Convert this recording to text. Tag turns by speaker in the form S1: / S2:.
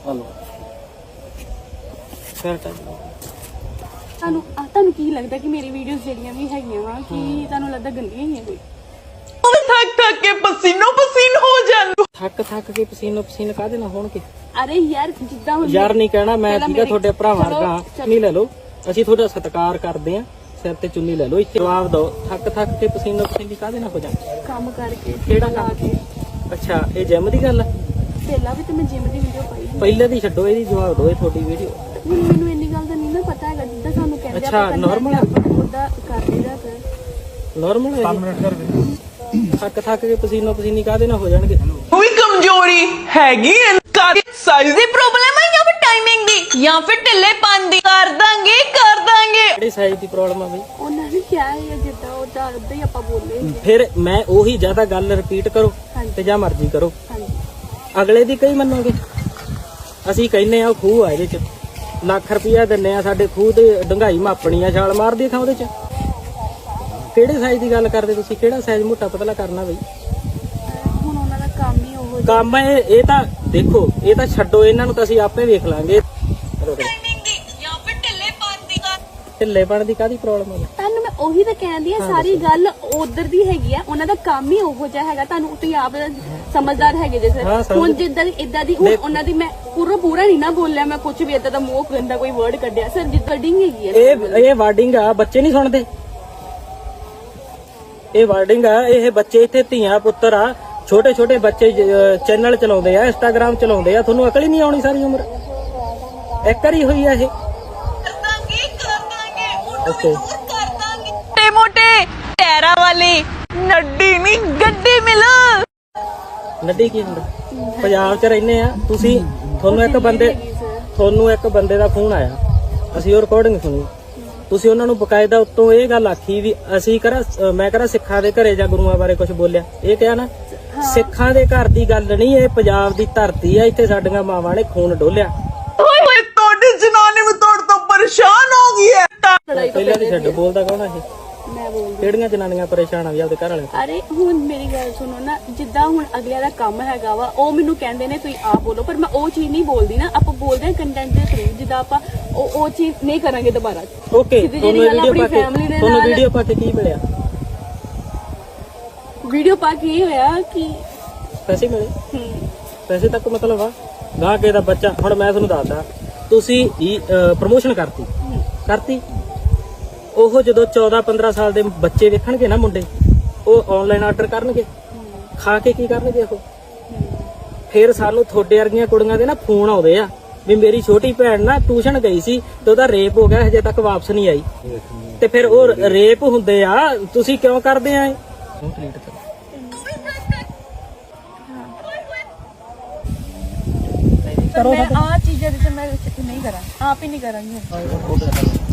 S1: Hello ਫਿਰ
S2: ਤੁਹਾਨੂੰ ਕੀ ਲੱਗਦਾ ਕਿ ਮੇਰੀ ਵੀਡੀਓਜ਼ ਜਿਹੜੀਆਂ ਵੀ ਹੈਗੀਆਂ ਵਾ ਕਿ ਤੁਹਾਨੂੰ ਲੱਗਦਾ ਗੰਦੀਆਂ ਹੀ ਆ ਕੋਈ?
S3: थक थक के पसीनो पसीन हो जान।
S1: ਥੱਕ ਕੇ ਪਸੀਨੋ ਪਸੀਨ ਕਾਹਦੇ ਨਾਲ ਹੋਣਗੇ?
S2: ਅਰੇ ਯਾਰ ਜਿੱਦਾਂ ਹੁਣ
S1: ਯਾਰ ਨਹੀਂ ਕਹਿਣਾ ਮੈਂ
S2: ਪਹਿਲਾਂ
S1: ਠੀਕਾ
S2: ਮੇਰੀ-
S1: ਤੁਹਾਡੇ ਭਰਾਵਾਂ
S2: ਚਲੋ,
S1: ਵਰਗਾ ਚੁੰਨੀ ਲੈ ਲਓ, ਅਸੀਂ ਤੁਹਾਡਾ ਸਤਿਕਾਰ ਕਰਦੇ ਆਂ, ਸਿਰ ਤੇ ਚੁੰਨੀ ਲੈ ਲਓ। ਇੱਥੇ ਜਵਾਬ ਦਿਓ, ਥੱਕ ਕੇ ਪਸੀਨੋ ਪਸੀਨੀ ਕਾਹਦੇ ਨਾਲ ਹੋ ਜਾਂਦੇ?
S2: ਕੰਮ ਕਰਕੇ
S1: ਕਿਹੜਾ
S2: ਲਾ
S1: ਕੰਮ?
S2: ਕੇ
S1: ਅੱਛਾ ਇਹ ਜਿਮ ਦੀ ਗੱਲ ਆ?
S2: ਪਹਿਲਾਂ ਵੀ ਤੇ ਮੈਂ ਜਿਮ ਦੀ ਵੀਡੀਓ ਪਾਈ ਸੀ।
S1: ਪਹਿਲੇ ਦੀ ਛੱਡੋ, ਇਹਦੀ ਜਵਾਬ ਦਿਓ, ਇਹ ਤੁਹਾਡੀ ਵੀਡੀਓ।
S2: ਹੁਣ ਮੈਨੂੰ ਇੰਨੀ ਗੱਲ ਦਾ ਨਹੀਂ ਨਾ ਪਤਾ ਹੈਗਾ ਜਿੱਦਾਂ ਸਾਨੂੰ ਕਹਿੰਦੇ
S1: ਅੱਛਾ, normal ਆ?
S2: ਉਹਦਾ ਕਰ ਲਈਦਾ ਫਿਰ।
S1: ਨਾਰਮਲ ਹੈ 5 ਮਿੰਟ ਕਰ ਦੇ। ਥੱਕ ਕੇ ਪਸੀਨੋ ਪਸੀਨੀ ਕਾਹਦੇ ਨਾਲ ਹੋ ਜਾਣਗੇ?
S3: कोई कमजोरी हैगी साइज दी प्रॉब्लम है या फिर टाइमिंग दी या फिर ढिल्लेपन दी? कर दांगे
S1: ਕਿਹੜੀ ਸਾਈਜ਼ ਦੀ ਪ੍ਰੋਬਲਮ ਆ ਬਈ?
S2: ਉਹਨਾਂ ਨੇ ਕਿਹਾ ਹੈ ਜਿੱਦਾਂ ਉਹਦਾ ਉਦਾਂ ਹੀ ਆਪਾਂ ਬੋਲੇ
S1: ਫਿਰ ਮੈਂ ਉਹੀ ਜ਼ਿਆਦਾ ਗੱਲ ਰਿਪੀਟ ਕਰੋ ਤੇ ਜਾਂ ਮਰਜ਼ੀ ਕਰੋ,
S2: ਹਾਂਜੀ
S1: ਅਗਲੇ ਦੀ ਕਈ ਮੰਨੋਗੇ? ਅਸੀਂ ਕਹਿੰਨੇ ਆ ਖੂਹ ਆ, ਇਹਦੇ ਚ ਲੱਖ ਰੁਪਇਆ ਦਿੰਨੇ ਆ, ਸਾਡੇ ਖੂਹ ਤੇ ਡੰਗਾਈ ਮਾਪਣੀ ਆ, ਛਾਲ ਮਾਰਦੀ ਥਾਂ ਉਹਦੇ ਚ। ਕਿਹੜੇ ਸਾਈਜ਼ ਦੀ ਗੱਲ ਕਰਦੇ ਤੁਸੀਂ? ਕਿਹੜਾ ਸਾਈਜ਼ ਮੋਟਾ ਪਤਲਾ ਕਰਨਾ ਬਈ?
S2: ਹੁਣ ਉਹਨਾਂ ਦਾ ਕੰਮ ਹੀ ਉਹ
S1: ਕੰਮ ਇਹ ਤਾਂ ਦੇਖੋ, ਇਹ ਤਾਂ ਛੱਡੋ, ਇਹਨਾਂ ਨੂੰ ਤਾਂ ਅਸੀਂ ਆਪੇ ਵੇਖ ਲਾਂਗੇ। ਢਿੱਲੇਪਣ ਦੀ ਕਾਹਦੀ ਪ੍ਰੋਬਲਮ ਹੈ?
S2: ਤੁਹਾਨੂੰ ਮੈਂ ਉਹੀ ਤਾਂ ਕਹਿੰਦੀ ਆ, ਸਾਰੀ ਗੱਲ ਉਧਰ ਦੀ ਹੈਗੀ ਆ, ਉਹਨਾਂ ਦਾ ਕੰਮ ਹੀ ਉਹੋ ਜਿਹਾ ਹੈਗਾ। ਤੁਹਾਨੂੰ ਤੁਸੀਂ ਆਪ ਸਮਝਦਾਰ ਹੈਗੇ ਜੇ
S1: ਹਾਂ,
S2: ਸਰ। ਹੁਣ ਜਿੱਦਾਂ ਇਦਾਂ ਦੀ ਹੁਣ ਉਹਨਾਂ ਦੀ ਮੈਂ ਪੂਰਾ ਨਹੀਂ ਨਾ ਬੋਲਿਆ, ਮੈਂ ਕੁਝ ਵੀ ਇਦਾਂ ਦਾ ਮੂੰਹ ਗੰਦਾ ਕੋਈ ਵਰਡ ਕੱਢਿਆ ਸਰ, ਜਿੱਦਾਂ ਡਿੰਗ ਹੈਗੀ ਆ।
S1: ਇਹ ਵਾਰਡਿੰਗ ਆ, ਬੱਚੇ ਨਹੀਂ ਸੁਣਦੇ। ਇਹ ਵਾਰਡਿੰਗ ਆ, ਇਹ ਬੱਚੇ ਇੱਥੇ ਧੀਆਂ ਪੁੱਤਰ ਆ, ਛੋਟੇ ਛੋਟੇ ਬੱਚੇ ਚੈਨਲ ਚਲਾਉਂਦੇ ਆ, ਇੰਸਟਾਗ੍ਰਾਮ ਚਲਾਉਂਦੇ ਆ, ਤੁਹਾਨੂੰ ਅਕਲ ਹੀ ਨਹੀਂ ਆਉਣੀ ਸਾਰੀ ਉਮਰ? ਇੱਕ ਵਾਰੀ ਹੋਈ ਆ ਇਹ? ਓਕੇ
S3: मोटे मोटे टैरा वाली नड्डी नहीं गड्डी मिल।
S1: ਨੱਡੀ ਕੀ ਹੁੰਦਾ? ਪੰਜਾਬ 'ਚ ਰਹਿੰਦੇ ਆ ਤੁਸੀਂ, ਤੁਹਾਨੂੰ ਇੱਕ ਬੰਦੇ ਦਾ ਫੋਨ ਆਇਆ, ਅਸੀਂ ਉਹ ਰਿਕਾਰਡਿੰਗ ਸੁਣੀ, ਤੁਸੀਂ ਉਹਨਾਂ ਨੂੰ ਬਕਾਇਦਾ ਉੱਤੋਂ ਇਹ ਗੱਲ ਆਖੀ ਵੀ ਅਸੀਂ ਮੈਂ ਸਿੱਖਾਂ ਦੇ ਘਰੇ ਜਾਂ ਗੁਰੂਆਂ ਬਾਰੇ ਕੁਝ ਬੋਲਿਆ? ਇਹ ਕਿਹਾ ਨਾ, ਸਿੱਖਾਂ ਦੇ ਘਰ ਦੀ ਗੱਲ ਨਹੀਂ, ਇਹ ਪੰਜਾਬ ਦੀ ਧਰਤੀ ਆ, ਇੱਥੇ ਸਾਡੀਆਂ ਮਾਵਾਂ ਨੇ ਖੂਨ ਡੋਲਿਆ।
S3: जनानी में तोड़ तो परेशान हो गई है।
S1: ਪਹਿਲਾਂ ਦੀ ਛੱਡ, ਬੋਲਦਾ ਕੌਣ ਆ ਇਹ?
S2: ਮੈਂ ਬੋਲਦੀ
S1: ਕਿਹੜੀਆਂ ਜਨਾਨੀਆਂ ਪਰੇਸ਼ਾਨ ਆ ਵੀ ਆਪਦੇ ਘਰ ਵਾਲੇ ਤੋਂ?
S2: ਅਰੇ ਹੁਣ ਮੇਰੀ ਗੱਲ ਸੁਣੋ ਨਾ, ਜਿੱਦਾਂ ਹੁਣ ਅਗਲਿਆਂ ਦਾ ਕੰਮ ਹੈਗਾ ਵਾ, ਉਹ ਮੈਨੂੰ ਕਹਿੰਦੇ ਨੇ ਤੁਸੀਂ ਆਪ ਬੋਲੋ, ਪਰ ਮੈਂ ਉਹ ਚੀਜ਼ ਨਹੀਂ ਬੋਲਦੀ ਨਾ। ਆਪਾਂ ਬੋਲਦੇ ਹਾਂ ਕੰਟੈਂਟ ਦੇ ਥਰੂ, ਜਿੱਦਾਂ ਆਪਾਂ ਉਹ ਚੀਜ਼ ਨਹੀਂ ਕਰਾਂਗੇ ਦੁਬਾਰਾ।
S1: ਓਕੇ, ਤੁਹਾਨੂੰ ਵੀਡੀਓ ਪਾ ਕੇ ਕੀ ਮਿਲਿਆ?
S2: ਵੀਡੀਓ ਪਾ ਕੇ ਇਹ ਹੋਇਆ ਕਿ
S1: ਪੈਸੇ ਮਿਲੇ? ਪੈਸੇ ਤੱਕ ਮਤਲਬ ਆ ਗਾਹ ਕੇ ਦਾ ਬੱਚਾ। ਹੁਣ ਮੈਂ ਤੁਹਾਨੂੰ ਦੱਸਦਾ, ਤੁਸੀਂ ਪ੍ਰਮੋਸ਼ਨ ਕਰਤੀ, ਉਹ ਜਦੋਂ 14-15 ਸਾਲ ਦੇ ਬੱਚੇ ਵੇਖਣਗੇ ਨਾ ਮੁੰਡੇ, ਉਹ ਆਨਲਾਈਨ ਆਰਡਰ ਕਰਨਗੇ, ਖਾ ਕੇ ਕੀ ਕਰਨਗੇ ਉਹ? ਫਿਰ ਸਾਨੂੰ ਤੁਹਾਡੇ ਵਰਗੀਆਂ ਕੁੜੀਆਂ ਦੇ ਨਾ ਫੋਨ ਆਉਂਦੇ ਆ ਵੀ ਮੇਰੀ ਛੋਟੀ ਭੈਣ ਨਾ ਟਿਊਸ਼ਨ ਗਈ ਸੀ ਤੇ ਉਹਦਾ ਰੇਪ ਹੋ ਗਿਆ, ਹਜੇ ਤੱਕ ਵਾਪਸ ਨਹੀਂ ਆਈ। ਤੇ ਫਿਰ ਉਹ ਰੇਪ ਹੁੰਦੇ ਆ, ਤੁਸੀਂ ਕਿਉਂ ਕਰਦੇ ਆ?
S2: ਮੈਂ ਆ ਚੀਜ਼ਾਂ ਦੀ ਮੈਂ ਨਹੀਂ ਕਰਾਂ, ਆਪ ਹੀ ਨਹੀਂ ਕਰਾਂਗੀ।